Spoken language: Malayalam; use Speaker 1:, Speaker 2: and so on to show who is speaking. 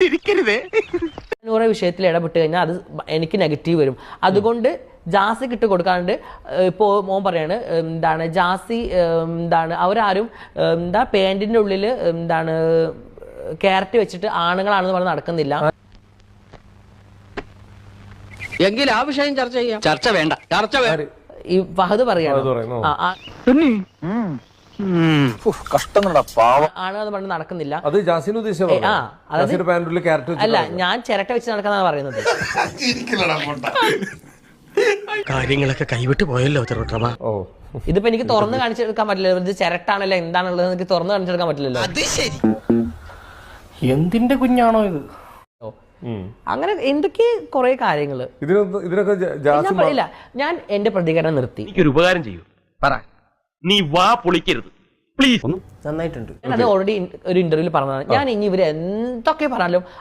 Speaker 1: നൂറെ വിഷയത്തിൽ ഇടപെട്ട് കഴിഞ്ഞാൽ അത് എനിക്ക് നെഗറ്റീവ് വരും. അതുകൊണ്ട് ജാസിക്ക് ഇട്ട് കൊടുക്കാണ്ട് ഇപ്പോൾ മോൻ പറയാണ് എന്താണ് ജാസി എന്താണ് അവരാരും എന്താ പാൻറ്റിൻ്റെ ഉള്ളിൽ എന്താണ് ക്യാരറ്റ് വെച്ചിട്ട് ആണുങ്ങളാണെന്ന് പറഞ്ഞ് നടക്കുന്നില്ല.
Speaker 2: എങ്കിൽ ആ വിഷയം ചർച്ച ചെയ്യാം. ചർച്ച വേണ്ട, ചർച്ച വേണ്ട.
Speaker 1: ഈ ഫഹദ് പറയാണ് ആണെന്ന് പറഞ്ഞ് നടക്കുന്നില്ല. അല്ല, ഞാൻ ചിരട്ട വെച്ച് നടക്കാന്നാണ് പറയുന്നത്.
Speaker 3: കാര്യങ്ങളൊക്കെ കൈവിട്ട് പോയല്ലോ.
Speaker 1: ഇതിപ്പോ എനിക്ക് തുറന്ന് കാണിച്ചെടുക്കാൻ പറ്റില്ലല്ലോ. ഇത് ചിരട്ടാണല്ലോ എന്താണുള്ളത് എനിക്ക് തുറന്ന് കാണിച്ചെടുക്കാൻ പറ്റില്ലല്ലോ.
Speaker 4: എന്തിന്റെ കുഞ്ഞാണോ ഇത്?
Speaker 1: അങ്ങനെ എന്തൊക്കെ കുറെ കാര്യങ്ങള് പറയില്ല. ഞാൻ എന്റെ പ്രതികരണം നിർത്തി.
Speaker 3: എനിക്കൊരു ഉപകാരം ചെയ്യൂ, പറ. നീ വാ പൊളിക്കരുത് പ്ലീസ്.
Speaker 4: നന്നായിട്ടുണ്ട്.
Speaker 1: ഞാൻ അത് ഓൾറെഡി ഒരു ഇന്റർവ്യൂവിൽ പറഞ്ഞതാണ്. ഞാൻ ഇനി ഇവര് എന്തൊക്കെ പറഞ്ഞാലും